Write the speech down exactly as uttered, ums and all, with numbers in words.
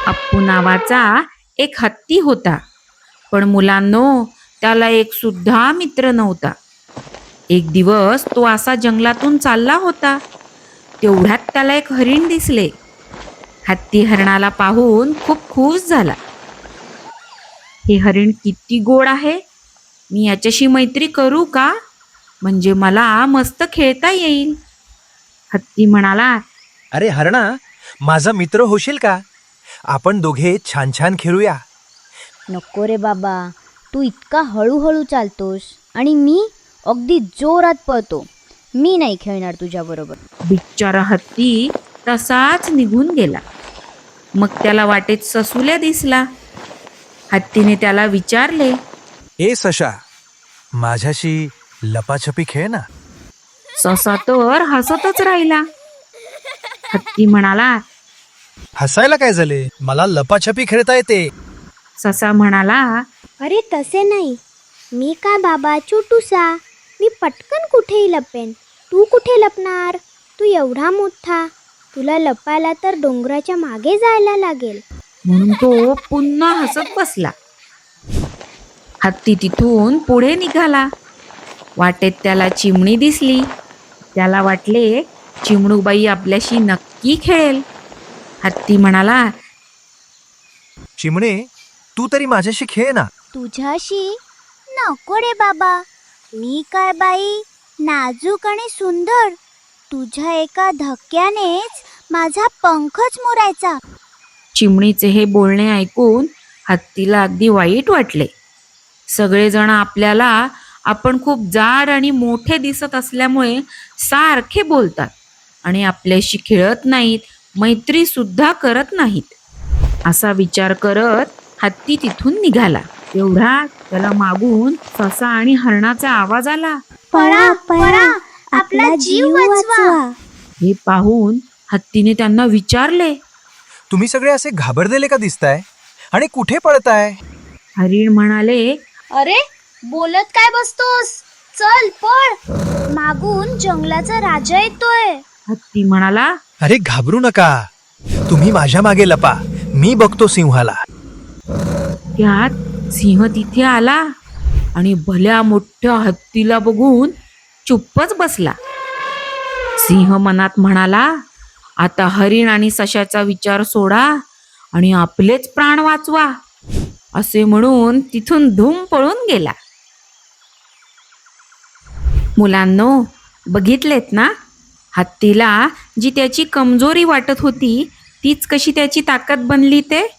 अप्पू नावाचा एक हत्ती होता. पण मुलांनो, त्याला एक सुद्धा मित्र नव्हता. एक दिवस तो असा जंगलातून चालला होता. तेवढ्यात त्याला एक हरिण दिसले. हत्ती हरणाला पाहून खूप खुश झाला. हे हरिण किती गोड आहे. मी याच्याशी मैत्री करू का? म्हणजे मला मस्त खेळता येईल. हत्ती म्हणाला, अरे हरणा, माझा मित्र होशील का? आपण दोघे छान छान खेळूया. नको रे बाबा, तू इतका हळूहळू चालतोस आणि मी अगदी जोरात पळतो. मी नाही खेळणार तुझ्याबरोबर. बिचारा हत्ती तसाच निघून गेला. मग त्याला वाटेत ससुल्या दिसला. हत्तीने त्याला विचारले, ए सशा, माझ्याशी लपाछपी खेळ ना. ससा तर हसतच राहिला. हत्ती म्हणाला, हसायला काय झाले? मला लपाछपी खेळता येते. ससा म्हणाला, अरे तसे नाही, मी काय बाबा छोटूसा, मी पटकन कुठेही लपेन. तू कुठे लपणार? तू एवढा मोठा, तुला लपायला तर डोंगराच्या मागे जायला लागेल. म्हणून तो पुन्हा हसत बसला. हत्ती तिथून पुढे निघाला. वाटेत त्याला चिमणी दिसली. त्याला वाटले चिमणूबाई आपल्याशी नक्की खेळेल. हत्ती म्हणाला, चिमणे, तू तरी माझ्याशी खेळ ना. तुझ्याशी नको रे बाबा, मी काय बाई नाजूक आणि सुंदर. तुझ्या एका धक्क्यानेच माझा पंखच मुरायचा. चिमणीचे हे बोलणे ऐकून हत्तीला अगदी वाईट वाटले. सगळेजण आपल्याला आपण खूप जाड आणि मोठे दिसत असल्यामुळे सारखे बोलतात आणि आपल्याशी खेळत नाहीत, मैत्री सुद्धा करत नाहीत. असा विचार करत हत्ती तिथून निघाला. तेवढा त्याला मागून ससा आणि हरणाचा आवाज आला. पळा पळा, आपला जीव वाचवा. हे पाहून हत्तीने त्यांना विचारले, तुम्ही सगळे असे घाबरलेले का दिसताय आणि कुठे पळताय? हरिण म्हणाले, अरे बोलत काय बसतोस, चल पळ, मागून जंगलाचा राजा येतोय. हत्ती म्हणाला, अरे घाबरू नका, तुम्ही माझ्या मागे लपा, मी बघतो सिंहाला. त्यात सिंह तिथे आला आणि भल्या मोठ्या हत्तीला बघून चुप्पच बसला. सिंह मनात म्हणाला, आता हरिण आणि सशाचा विचार सोडा आणि आपलेच प्राण वाचवा. असे म्हणून तिथून धूम पळून गेला. मुलांनो, बघितलेत ना, हत्तीला जी त्याची कमजोरी वाटत होती तीच कशी त्याची ताकद बनली ते.